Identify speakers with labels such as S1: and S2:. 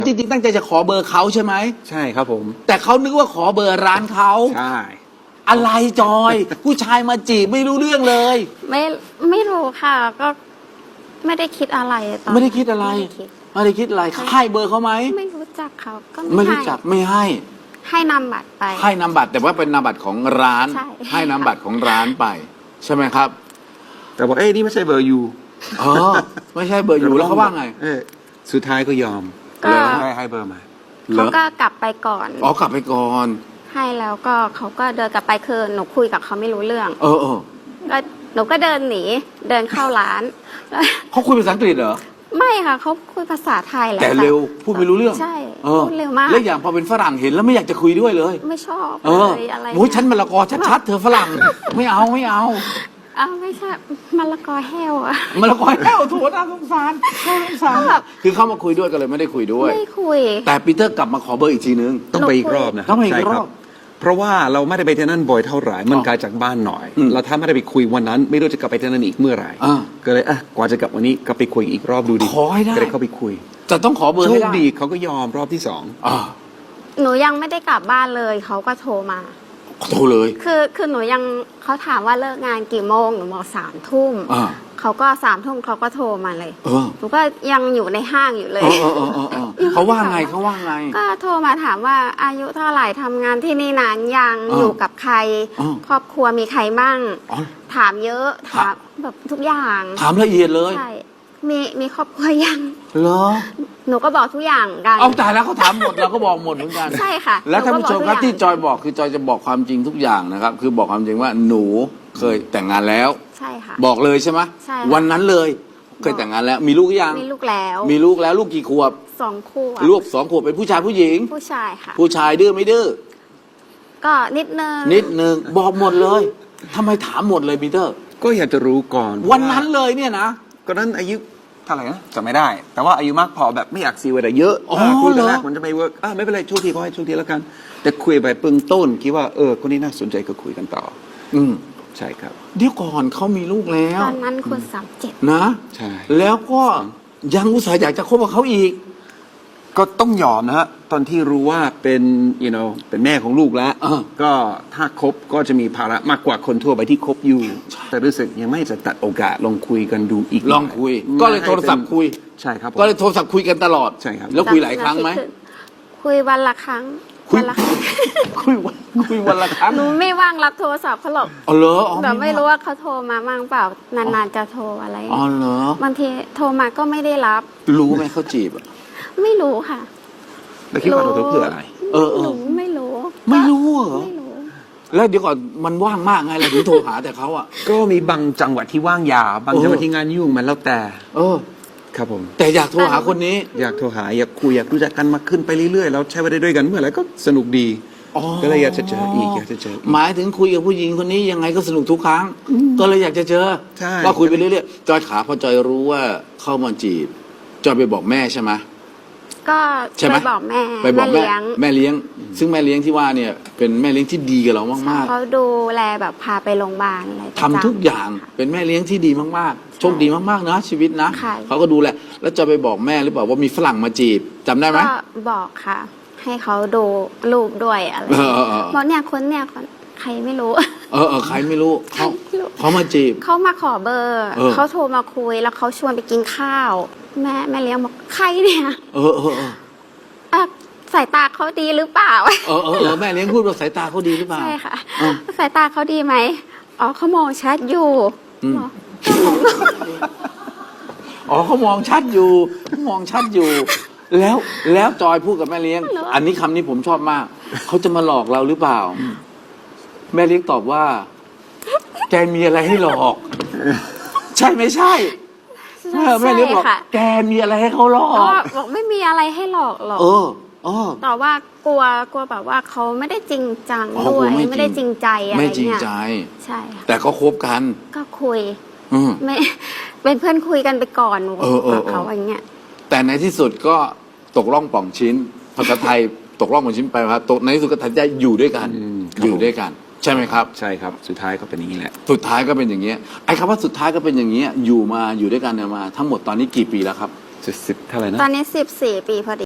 S1: จริงๆตั้งใจจะขอเบอร์เขาใช่ไหม
S2: ใช่ครับผม
S1: แต่เขานึกว่าขอเบอร์ร้านเขา
S2: ใช่
S1: อะไรจอย ผู้ชายมาจีบไม่รู้เรื่องเลย
S3: ไม่รู้ค่ะ ก็ไม่ได้คิดอะไรตอน
S1: ไม่ได้คิดอะไรไม่ได้คิดอะไรให้เบอร์เขาไหม
S3: ไม่รู้จักเขาก็
S1: ไม่รู้จักไม่
S3: ให้นำบัตรไป
S1: ให้นำบัตรแต่ว่าเป็นนามบัตรของร้านให้นามบัตรของร้านไปใช่ไหมครับ
S2: แต่บอกนี่ไม่ใช่เบอร์ยู
S1: ไม่ใช่เบอร์ยูแล้วเขาว่าไง
S2: สุดท้ายก็ยอม
S3: เลย
S2: ให้เบอร์มา
S3: เขาก็กลับไปก่อน
S1: กลับไปก่อน
S3: ให้แล้วก็เขาก็เดินกลับไปคือหนูคุยกับเขาไม่รู้เรื่องก็หนูก็เดินหนีเดินเข้าร้าน
S1: เขาคุยภาษาอังกฤษเหรอ
S3: ไม่ค่ะเขาคุยภาษาไทยแหละ
S1: แต่เร็วพูดไม่รู้เรื่อง
S3: ใช่พูดเร็วมาก
S1: แล้วอย่างพอเป็นฝรั่งเห็นแล้วไม่อยากจะคุยด้วยเลย
S3: ไม่ชอบเลยอะไร
S1: โอ้ยฉันมะละกอชัดๆเธอฝรั่งไม่เอาไม่
S3: ใช่มะละกอแห้วอะ
S1: มะละกอแห้วโถน่าสงสารคือเข้ามาคุยด้วยก็เลยไม่ได้คุยด้วย
S3: ไม่คุย
S1: แต่ปีเตอร์กลับมาขอเบอร์อีกทีนึง
S2: ต้องไปอีกรอบนะ
S1: ต้องไปอีกรอบ
S2: เพราะว่าเราไม่ได้ไปที่นั่นบ่อยเท่าไหร่มันไกลจากบ้านหน่อยเราถ้าไม่ได้ไปคุยวันนั้นไม่รู้จะกลับไปที่นั่นอีกเมื่อไหร่ก็เลยกว่าจะกลับวันนี้ก็ไปคุยอีกรอบดูดิ
S1: ขอให้ได้
S2: ก็เลยเข้าไปคุย
S1: จะต้องขอเบอร์ให้ได้
S2: โชคดีเขาก็ยอมรอบที่
S3: หนูยังไม่ได้กลับบ้านเลยเขาก็โทรมา
S1: โทรเลย
S3: คือหนูยังเขาถามว่าเลิกงานกี่โมงหนูบอก3 ทุ่มเขาก็3 ทุ่มเขาก็โทรมาเลยหนูก็ยังอยู่ในห้างอยู่เลย
S1: เขาว่าไง
S3: ก็โทรมาถามว่าอายุเท่าไหร่ทำงานที่นี่นานยังอยู่กับใครครอบครัวมีใครบ้างถามเยอะถามแบบทุกอย่าง
S1: ถามละเอียดเลย
S3: ใช่มีครอบครัวยัง
S1: เหรอ
S3: หนูก็บอกทุกอย่างกัน
S1: เอาตายแล้วเขาถามหมดเราก็บอกหมดเหมือนกัน
S3: ใช่ค่ะ
S1: แล้วท่านผู้ชมครับที่จอยบอกคือจอยจะบอกความจริงทุกอย่างนะครับคือบอกความจริงว่าหนูเคยแต่งงานแล้ว
S3: ใช่ค่ะ
S1: บอกเลยใช่ไหม
S3: ใช่
S1: วันนั้นเลยเคยแต่งงานแล้วมีลูกยัง
S3: มีลูกแล้ว
S1: ลูกกี่ขวบ
S3: 2 ขวบ
S1: ลูก2 ขวบเป็นผู้ชายผู้หญิง
S3: ผู้ชายค่ะ
S1: ผู้ชายดื้อไม่ดื้อ
S3: ก็นิดนึง
S1: บอกหมดเลยทำไมถามหมดเลยปีเตอร์
S2: ก็อยากจะรู้ก่อน
S1: วันนั้นเลยเนี่ยนะ
S2: ก็นั้นอายุเท่าไหร่นะจำไม่ได้แต่ว่าอายุมากพอแบบไม่อยากซีเวลาเยอะคุยกันแรกมันจะไม่เวิร์กไม่เป็นไรช่วงทีก็ให้ช่วงทีแล้วกันแต่คุยไปเบื้องต้นคิดว่าคนนี้น่าสนใจก็คุยกันต่อใช่ครับ
S1: เดี๋ยวก่อนเขามีลูกแล้ว
S3: ตอนนั้นคุณ37
S1: นะ
S2: ใช่
S1: แล้วก็ยังอุตส่าห์อยากจะคบกับเขาอีก
S2: ก็ต้องยอมนะฮะตอนที่รู้ว่าเป็นเป็นแม่ของลูกแล้วก็ถ้าคบก็จะมีภาระมากกว่าคนทั่วไปที่คบอยู่แต่รู้สึกยังไม่จะตัดโอกาสลองคุยกันดูอีก
S1: ลองคุยก็เลยโทรศัพท์คุย
S2: ใช่ครับ
S1: ก็เลยโทรศัพท์คุยกันตลอด
S2: ใช่ครับ
S1: แล้วคุยหลายครั้งไหม
S3: คุยวันละครั้ง
S1: คุยวันละครั้ง
S3: หนูไม่ว่างรับโทรศัพท์เขาหรอก
S1: เหรอ
S3: แต่ไม่รู้ว่าเขาโทรมาบ้างเปล่านานๆจะโทรอะไร
S1: เหรอบ
S3: างทีโทรมาก็ไม่ได้รับ
S1: รู้ไหมเขาจีบ
S3: ไม่รู้ค่ะ
S2: แล้วคิดว่าเราเพื่ออะไร
S3: หนูไม่รู้
S1: เหรอแล้วเดี๋ยวก่อนมันว่างมากไงเราถึงโทรหาแต่เขา
S2: ก็มีบางจังหวะที่ว่างยาวบางจังหวะที่งานยุ่งมันแล้วแต่ครับผม
S1: แต่อยากโทรหาคนนี้
S2: อยากโทรหาอยากคุยอยากรู้จักกันมาขึ้นไปเรื่อยๆแล้วใช้เวลาด้วยกันเมื่อไหร่ก็สนุกดีก็เลยอยากจะเจออีก
S1: หมายถึงคุยกับผู้หญิงคนนี้ยังไงก็สนุกทุกครั้งก็เลยอยากจะเจอก็คุยไปเรื่อยๆจอยขาพอจอยรู้ว่าเข้ามาจีบจอยไปบอกแม่ใช่ไหม
S3: ก็ไปบอกแม่
S1: แม่เลี้ยงซึ่งแม่เลี้ยงที่ว่าเนี่ยเป็นแม่เลี้ยงที่ดีกับเรามากๆ
S3: เขาดูแลแบบพาไปโรงพยาบาลอะไร
S1: ทำทุกอย่างเป็นแม่เลี้ยงที่ดีมากๆโชคดีมากๆนะชีวิตนะเขาก็ดูแลแล้วจะไปบอกแม่หรือเปล่าว่ามีฝรั่งมาจีบจำได้ไหม
S3: ก็บอกค่ะให้เขาดูรูปด้วยอะไรบอกเนี่ยคนใครไม่รู้
S1: ใครไม่รู้เขามาจีบ
S3: เขามาขอเบอร์เขาโทรมาคุยแล้วเขาชวนไปกินข้าวแม่เลี้ยงบอกใครเนี่ยสายตาเขาดีหรือเปล่า
S1: แม่เลี้ยงพูดว่าสายตาเขาดีหรือเปล่า
S3: ใช่ค่ะสายตาเขาดีไหมเขามองชัดอยู่
S1: เขามองชัดอยู่แล้วจอยพูดกับแม่เลี้ยงอันนี้คำนี้ผมชอบมากเขาจะมาหลอกเราหรือเปล่าแม่เลี้ยงตอบว่าแกมีอะไรให้หลอกใช่ไม่ใช่แม่เลี้ยงบอกแกมีอะไรให้เขาหลอก
S3: บอกไม่มีอะไรให้หลอกหรอกแต่ว่ากลัวแบบว่าเขาไม่ได้จริงจังด้วยไม่ได้จริงใจอะไร
S1: ไม่จริงใจ
S3: ใช่
S1: แต่ก็คบกัน
S3: ก็คุยไม่เป็นเพื่อนคุยกันไปก่อนกับเขาอย่างเงี้ย
S1: แต่ในที่สุดก็ตกล่องป่องชิ้นภาษาไทยตกล่องป่องชิ้นไปครับตกในที่สุดก็ตัดใจอยู่ด้วยกันใช่ไหมครับ
S2: ใช่ครับสุดท้ายก็เป็นอย่างนี้แหละ
S1: สุดท้ายก็เป็นอย่างเงี้ยไอ้คำว่าสุดท้ายก็เป็นอย่างเงี้ยอยู่ด้วยกันมาทั้งหมดตอนนี้กี่ปีแล้วครับ
S2: 10เท่าไหร่นะ
S3: ตอนนี้14 ปีพอดี